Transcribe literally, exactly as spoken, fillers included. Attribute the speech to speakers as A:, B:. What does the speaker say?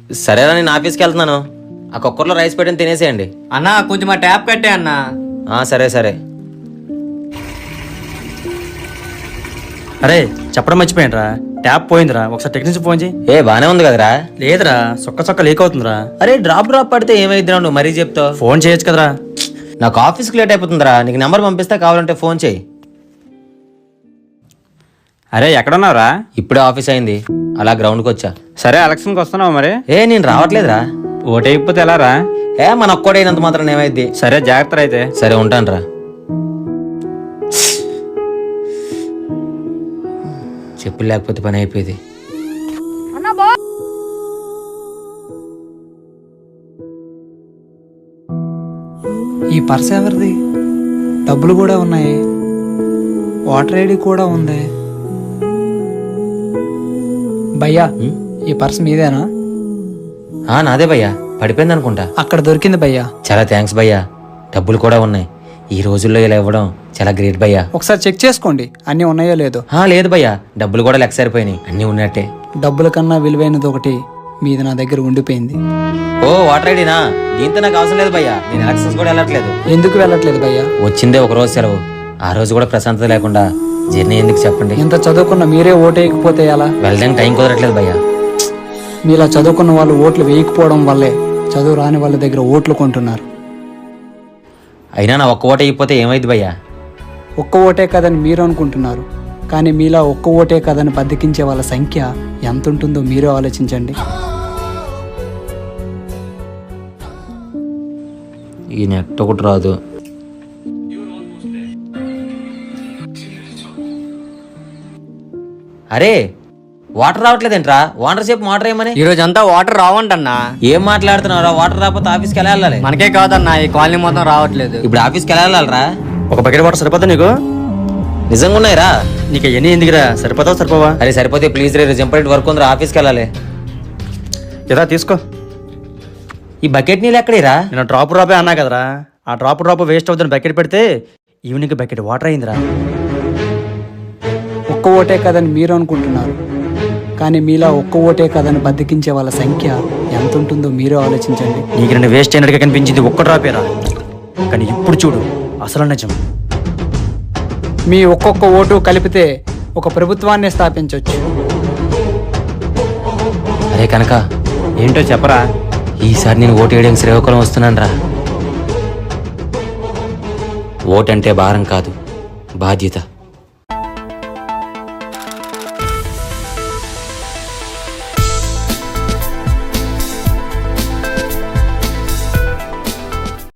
A: సరేరా, నేను ఆఫీస్కి వెళ్తున్నాను. ఆ కుక్కర్లో రైస్ పెట్టని తినేసేయండి.
B: అన్నా కొంచెం ఆ ట్యాప్ కట్టే అన్నా.
A: ఆ, సరే సరే.
C: అరే చెప్పడం మర్చిపోయినరా, ట్యాప్ పోయిందిరా, ఒకసారి టెక్నీషియన్ ఫోన్ చేయి.
A: ఏ బానే ఉంది కదరా?
C: లేదురా, సొక్క సొక్క లీక్ అవుతుందిరా.
A: అరే డ్రాప్ డ్రాప్ పడితే ఏమైద్దిరా, నువ్వు మరీ చెప్తావు.
C: ఫోన్ చేయొచ్చు కదరా.
A: నాకు ఆఫీస్కి లేట్ అయిపోతుందిరా. నీకు నెంబర్ పంపిస్తే కావాలంటే ఫోన్ చేయి.
C: అరే ఎక్కడున్నావురా?
A: ఇప్పుడే ఆఫీస్ అయింది, అలా గ్రౌండ్కి వచ్చా.
C: సరే ఎలక్షన్కి వస్తున్నావు మరి?
A: ఏ నేను రావట్లేదురా.
C: ఓటు అయిపోతే ఎలా రా?
A: ఏ మన ఒక్కడైనంత మాత్రం ఏమైద్ది.
C: సరే జాగ్రత్త అయితే.
A: సరే ఉంటాను రా. చెప్పులు లేకపోతే పని అయిపోయింది.
D: ఈ పర్స్ ఎవరిది? డబ్బులు కూడా ఉన్నాయి, వాటర్ ఐడి కూడా ఉంది. భయ్యా ఈ పర్స్ మీదేనా?
A: ఆ నాదే భయ్యా, పడిపోయింది అనుకుంటా.
D: అక్కడ దొరికింది భయ్యా.
A: చాలా థ్యాంక్స్ భయ్యా. డబ్బులు కూడా ఉన్నాయి. ఈ రోజుల్లో ఇలా ఇవ్వడం చాలా గ్రేట్ భయ్యా.
D: ఒకసారి చెక్ చేసుకోండి అన్నీ ఉన్నాయో లేదో.
A: ఆ లేదు భయ్యా, డబ్బులు కూడా లెక్క సరిపోయినాయి, అన్నీ ఉన్నట్టే.
D: డబ్బుల కన్నా విలువైనది ఒకటి మీది నా దగ్గర ఉండిపోయింది.
A: ఓ వాటర్ ఐడినా? దీంతో నాకు అవసరం లేదు భయ్యా, నేను ఎలక్షన్స్ కూడా వెళ్ళట్లేదు.
D: ఎందుకు వెళ్ళట్లేదు భయ్యా?
A: వచ్చిందే ఒక రోజు సెలవు, ఆ రోజు కూడా ప్రశాంతత లేకుండా జర్నీ ఎందుకు చెప్పండి.
D: ఇంత చదువుకున్న మీరే ఓటు వేయకపోతే ఎలా?
A: వెళ్ళడానికి టైం కుదరట్లేదు భయ్యా.
D: మీలా చదువుకున్న వాళ్ళు ఓట్లు వేయకపోవడం వల్లే చదువు రాని వాళ్ళ దగ్గర ఓట్లు కొంటున్నారు.
A: అయినా నా ఒక్క ఓట అయిపోతే ఏమైంది భయ్యా?
D: ఒక్క ఓటే కదని మీరు అనుకుంటున్నారు, కానీ మీలా ఒక్క ఓటే కదని బద్దకించే వాళ్ళ సంఖ్య ఎంత ఉంటుందో మీరే ఆలోచించండి.
A: ఈ నెట్ ఒకటి రాదు. అరే వాటర్ రావట్లేదేంట్రా? వాటర్ చెప్పు వాటర్ ఏమని.
B: ఈ రోజు అంతా వాటర్ రావంటన్నా.
A: ఏం మాట్లాడుతున్నారా? వాటర్ రాకపోతే ఆఫీస్కి ఎలా వెళ్ళాలి?
B: మనకే కాదన్నా, ఈ కాలనీ మొత్తం రావట్లేదు.
A: ఇప్పుడు ఆఫీస్కి ఎలా వెళ్ళాలరా?
C: ఒక బకెట్ వాటర్ సరిపోతా నీకు?
A: నిజంగా ఉన్నాయిరా?
C: నీకు ఎన్ని ఎందుకురా, సరిపోతావు సరిపోవా?
A: అరే సరిపోతే ప్లీజ్ రే, ఇంపార్టెంట్ వర్క్ ఉందిరా, ఆఫీస్కి వెళ్ళాలి.
C: ఏదా తీసుకో.
A: ఈ బకెట్ నీళ్ళు ఎక్కడేరా?
C: నేను డ్రాప్ డ్రాపే అన్నా కదరా, ఆ డ్రాప్ డ్రాప్ వేస్ట్ అవుతుంది బకెట్ పెడితే ఈవినింగ్ బకెట్ వాటర్ అయిందిరా.
D: ఒక్క ఓటే కదని మీరు అనుకుంటున్నారు, కానీ మీలా ఒక్క ఓటే కదని బద్దకించే వాళ్ళ సంఖ్య ఎంత ఉంటుందో మీరే ఆలోచించండి.
C: నీకు నేను వేస్ట్ అయినట్టుగా కనిపించింది ఒక్క డ్రాపేరా, కానీ ఇప్పుడు చూడు అసలు నిజం.
D: మీ ఒక్కొక్క ఓటు కలిపితే ఒక ప్రభుత్వాన్ని స్థాపించవచ్చు.
A: అరే కనుక
C: ఏంటో చెప్పరా?
A: ఈసారి నేను ఓటు వేయడానికి శ్రీకాకుళం వస్తున్నాను రా. ఓటంటే భారం కాదు, బాధ్యత.